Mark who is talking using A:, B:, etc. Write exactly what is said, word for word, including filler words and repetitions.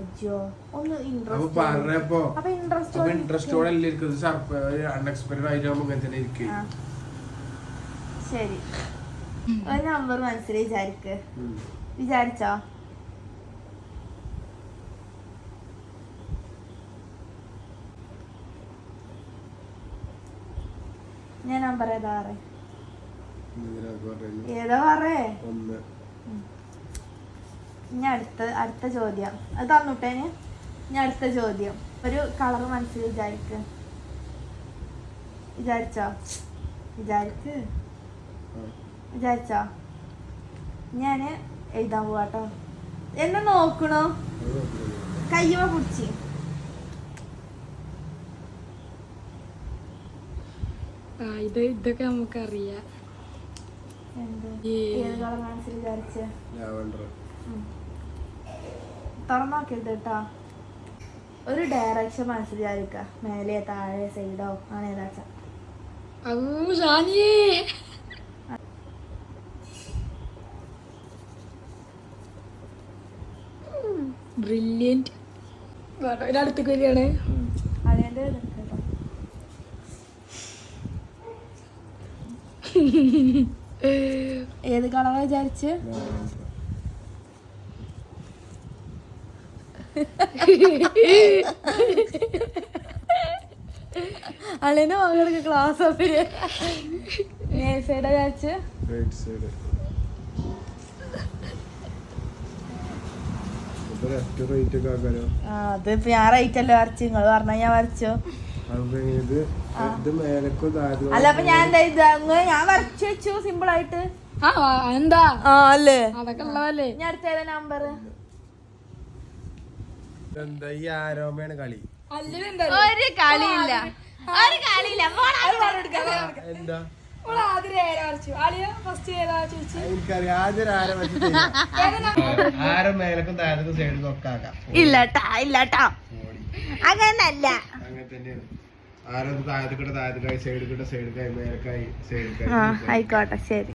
A: അയ്യോ ഒന്ന്
B: അൺഎക്സ്പെക്ടഡ് ആയിട്ടാകുമ്പോ ഇങ്ങനെ തന്നെ ഇരിക്കും.
A: ശരി ഒരു നമ്പർ മനസ്സിൽ വിചാരിക്ക്. വിചാരിച്ചോ? ഞാൻ നമ്പർ ഏതാ പറ ഏതാ പറേ? ഇനി അടുത്ത അടുത്ത ചോദ്യം അത് തന്നുട്ടേന്. ഇനി അടുത്ത ചോദ്യം ഒരു കളർ മനസ്സിൽ വിചാരിക്ക്. വിചാരിച്ചോ? വിചാരിക്ക് വിചാരിച്ചോ? ഞാന് എഴുതാൻ പോവാട്ടോ. എന്നെ നോക്കണോ? കയ്യുമ പിടിച്ച്
C: ഇത് ഇതൊക്കെ നമുക്കറിയാം.
A: ഏത് കളർ മനസ്സിൽ വിചാരിച്ച? തുറന്നോക്കരുത് കേട്ടോ. ഒരു ഡയറക്ഷൻ മനസ്സിൽ വിചാരിക്ക. മേലെ താഴെ സൈഡോ ആണ് ഏതാച്ച.
C: ബ്രില്യന്റ്. ഒരടുത്തേക്ക് വരികയാണ്.
A: അതിന്റെ ഏത് കളറാ വിചാരിച്ച്? അളിന് മകൾക്ക് ക്ലാസ് ഓഫില് സൈഡാ വിചാരിച്ച്? അതിപ്പോ ഞാൻ റൈറ്റ് അല്ലേ വരച്ചു. നിങ്ങള് പറഞ്ഞ ഞാൻ വരച്ചോ? അല്ല അപ്പൊ ഞാൻ എന്താ ഇത് ഞാൻ വരച്ചു വെച്ചു സിമ്പിൾ ആയിട്ട്.
C: എന്താ
A: അല്ലേ
C: അതൊക്കെ ഉള്ളതല്ലേ.
A: ഞാൻ അടുത്ത ഏതാ നമ്പർ?
B: കളി
A: ഒരു കളിയില്ല ഒരു കളിയില്ല. ഇല്ലട്ടാ ഇല്ലട്ടോ അങ്ങനല്ല.
B: ആയിക്കോട്ടെ ശരി.